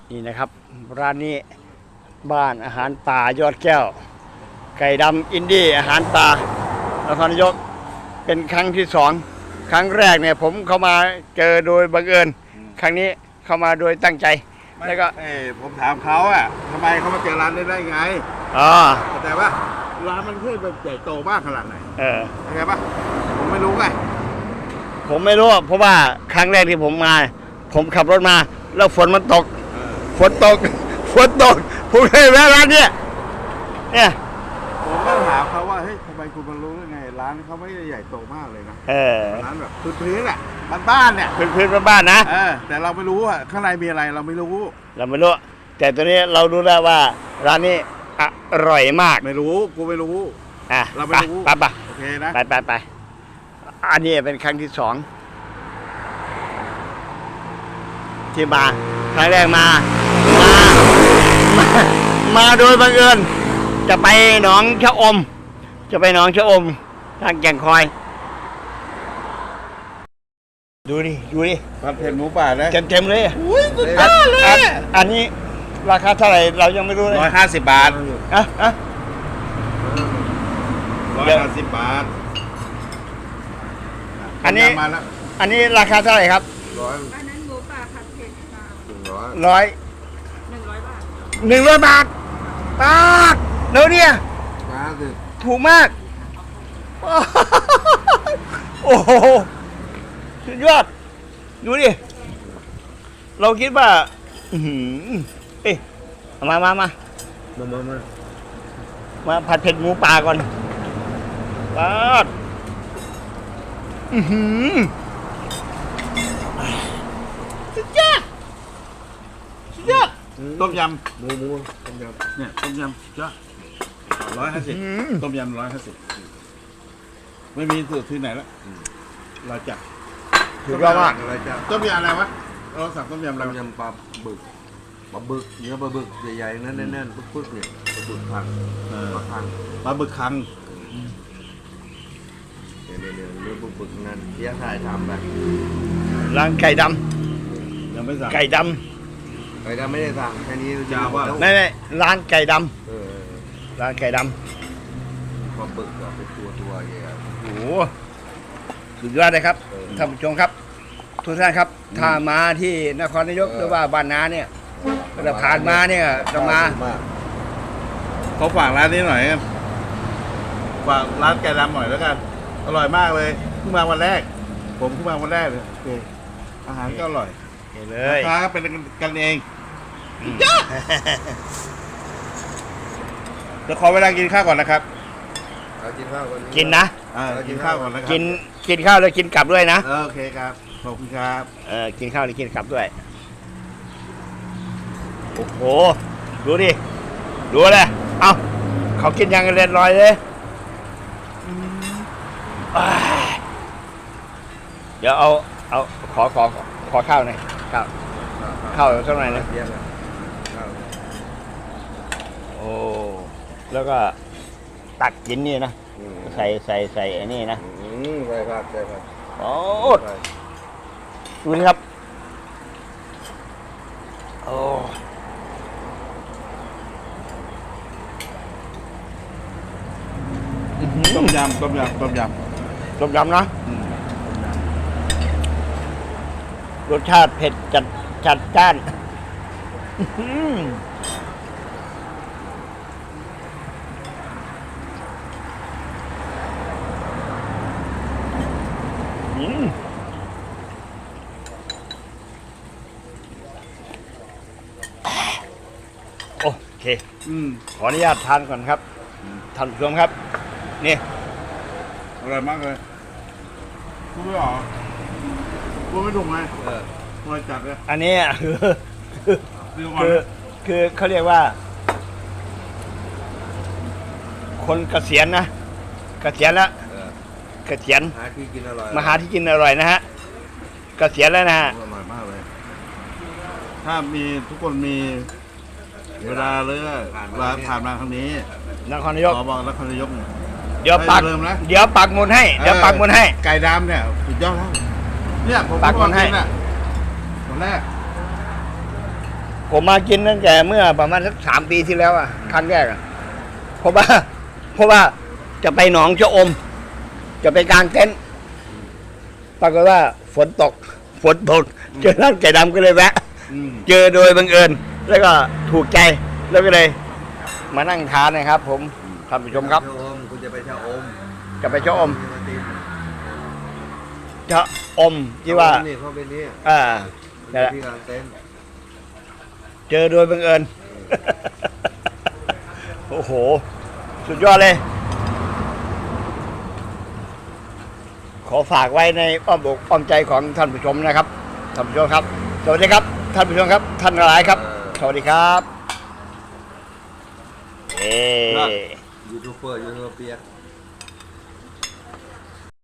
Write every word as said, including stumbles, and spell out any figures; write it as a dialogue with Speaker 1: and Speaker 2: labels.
Speaker 1: นี่นะครับร้านนี้บ้านอาหารป่ายอดแก้ว ไก่ดำอินดี้อาหารป่านครนายกเป็นครั้งที่สองครั้งแรกเนี่ยผมเข้ามาเจอโดยบังเอิญครั้งนี้เข้ามาโดยตั้งใจแล้วก็
Speaker 2: เอ้ผมถามเขาอ่ะทำไมเขามาเจอร้านนี้ได้ไง
Speaker 1: อ๋อ
Speaker 2: แต่ว่าร้านมันเพื่อแบบใหญ่โตมากขนาดไหน
Speaker 1: เออ
Speaker 2: เข้าใจปะผมไม่รู้ไง
Speaker 1: ผมไม่รู้เพราะว่าครั้งแรกที่ผมมา ผมขับรถมาแล้วฝนมันตกฝนตกฝนตกผมเลยแวะร้านเนี้ยเนี่ย
Speaker 2: ผมก็ถามเขาว่าเฮ้ยทำไมคุณมารู้ได้ไงร้านเขาไม่ได้ใหญ่โตมากเลยนะ
Speaker 1: เออ
Speaker 2: ร้านแบบพื้นๆแหละบ้านๆเนี่ย
Speaker 1: พื้นๆบ้านๆนะ
Speaker 2: เออแต่เราไม่รู้อ่ะข้างในมีอะไรเราไม่รู้
Speaker 1: เราไม่รู้แต่ตัวนี้เรารู้แล้วว่าร้านนี้อร่อยมาก
Speaker 2: ไม่รู้กูไม่รู้
Speaker 1: อ่ะ
Speaker 2: เราไม่รู้
Speaker 1: ไปไป
Speaker 2: โอเคนะ
Speaker 1: ไปไปไปอันนี้เป็นครั้งที่สองที่มาครั้งแรกมามามามาโดยบังเอิญจะไปหนองชะอมจะไปหนองชะอมทางแก่งคอยดูดิดูดิ
Speaker 2: ผัดเผ็ดหมูป่านะ
Speaker 1: เต็มเต็มเลยอุ้ยสุดยอดเลยอันนี้ราคาเท่าไหร่เรายังไม่รู้เลย
Speaker 2: ร้อยห้าสิบบาท
Speaker 1: อ่ะอ่ะ
Speaker 2: ร้อยห้าสิบบาท
Speaker 1: อันนี้อันนี้ราคาเท่าไหร่ครับ
Speaker 2: ร้อย
Speaker 3: อันนั้นหมูป่าผัดเผ็ดค่ะ
Speaker 2: หนึ่งร้อย
Speaker 1: ร้อย
Speaker 3: หนึ่งร้อยบาท
Speaker 1: หนึ่งร้อยบาทบาทเดี๋ยวเนี่ยถูกมากโอ้โหสุดยอดดูดิเราคิดว่าอืมเอ๊ะมามามา
Speaker 2: มามามา
Speaker 1: มาผัดเผ็ดหมูป่าก่อนบาทอืมสุดยอดสุดยอด
Speaker 2: ต้มยำหมูหมูต้มยำเนี่ยต้มยำจ้ะร้อยห้าสิบต้มยำร้อยห้าสิบไม่มีสูตรที่ไหนแล้วเราจับ
Speaker 1: ถูกต้องมาก
Speaker 2: ต้มยำอะไรวะเราสั่งต้มยำอะไร
Speaker 4: ต้มยำปลาบึกปลาบึกเนื้อปลาบึกใหญ่ๆนั่นแน่นๆปึ๊กๆเนี่ยปลาบึกคังปลาคัง
Speaker 2: ปลาบึกคัง
Speaker 4: เนี่ยเนี่ยเนี่ยเนื้อบึกๆนั่นเที่ยงถ่ายทำไป
Speaker 1: ร้านไก่ด
Speaker 2: ำยังไม่สั่ง
Speaker 1: ไก่ด
Speaker 4: ำไก่ดำไม่ได้สั่งแค่นี้
Speaker 2: ยาวว่า
Speaker 1: ไม่ไม่ร้านไก่ดำร้านไก่ด
Speaker 4: ำปลาบึกก็เป็นตัวตัวใหญ่
Speaker 1: โอ้โหสุดยอดเลยครับท่านผู้ชมครับทุกท่านครับถ้ามาที่นครนายกหรือว่าบ้านนาเนี่ยเราผ่านมาเนี่ยจะมา
Speaker 2: เขาฝากร้านนี้หน่อยกันฝากร้านไก่ดำหน่อยแล้วกันอร่อยมากเลยเพิ่งมาวันแรกผมเพิ่งมาวันแรกเลยอาหารก็อร่อย
Speaker 1: เลย
Speaker 2: ราคาเป็นกันเองเดี๋ยวขอเวลากินข้าวก่อนนะครับ
Speaker 4: กินข้าวก่อน
Speaker 1: กินนะ
Speaker 2: กินข้าวก่อนนะครับ
Speaker 1: กินกินข้าวแล้วกินกลับด้วยนะ
Speaker 2: โอเคครับขอบคุณครับ
Speaker 1: เออกินข้าวแล้วกินกลับด้วยโอ้โหดูดิดูเลยเอ้าเขากินยังเรียนลอยเลยเดี๋ยวเอาเอาขอขอขอข้าวหน่อยข้าวข้าวเท่าไหร่นะโอ้แล้วก็ตักกินนี่นะใส่ใส่ใส่ไอ้นี่นะ
Speaker 4: ใส่ผักใส่ผัก
Speaker 1: โอ้ดูนี่ครับโอ้
Speaker 2: ต้มยำต้มยำต้มย
Speaker 1: ำต้มยำนะรสชาติเผ็ดจัดจัดจ้านโอเคขออนุญาตทานก่อนครับท่านผู้ชมครับนี่
Speaker 2: อร่อยมากเลยพูดไม่ออกพูดไม่ถูกไหมเอออร่อยจัดเลย
Speaker 1: อันนี้คือคือคือเขาเรียกว่าคนเกษียณนะเกษียณแล้วเกษียณ
Speaker 4: หาที่กินอร่อย
Speaker 1: มาหาที่กินอร่อยนะฮะเกษียณแล้วนะฮะ
Speaker 2: อร่อยมากเลยถ้ามีทุกคนมีเวลาเลยว่าผ่านมาครั้งนี้
Speaker 1: นครนายก
Speaker 2: ขอบอกนครนายก
Speaker 1: เดี๋ยวปักเดี๋ยวปักหมุดให้เดี๋ยวปักหมุดให้
Speaker 2: ไก่ดำเนี่ยสุดยอดแล้วเนี่ยผม
Speaker 1: ปักหมุดให้
Speaker 2: ตอนแรก
Speaker 1: ผมมากินตั้งแต่เมื่อประมาณสักสามปีที่แล้วอ่ะครั้งแรกอ่ะเพราะว่า เพราะว่าจะไปหนองชะอม จะไปกางเต็นท์ปรากฏว่าฝนตก ฝนตก เจอร้านไก่ดำก็เลยแวะ
Speaker 2: อืม
Speaker 1: เจอโดยบังเอิญ แล้วก็ถูกใจ แล้วก็เลย มานั่งทานนะครับ ผมท่านผู้ชมครับ
Speaker 4: ชะอมคุณจะไปชะอม
Speaker 1: จะไปชะอม
Speaker 4: ชะติน
Speaker 1: ชะอมที่ว่า
Speaker 4: นี่เขาเป็นนี่
Speaker 1: อ่านั่นแหละ
Speaker 4: ที่กลางเต็นท์
Speaker 1: เจอโดยบังเอิญ โอ้โห สุดยอดเลย ขอฝากไว้ในอ้อมอกอ้อมใจของท่านผู้ชมนะครับ ท่านผู้ชมครับ สวัสดีครับ ท่านผู้ชมครับ ท่านหลายครับ สวัสดีครับ เอ
Speaker 4: ยูทูบเบอร์ยูทูบเปีย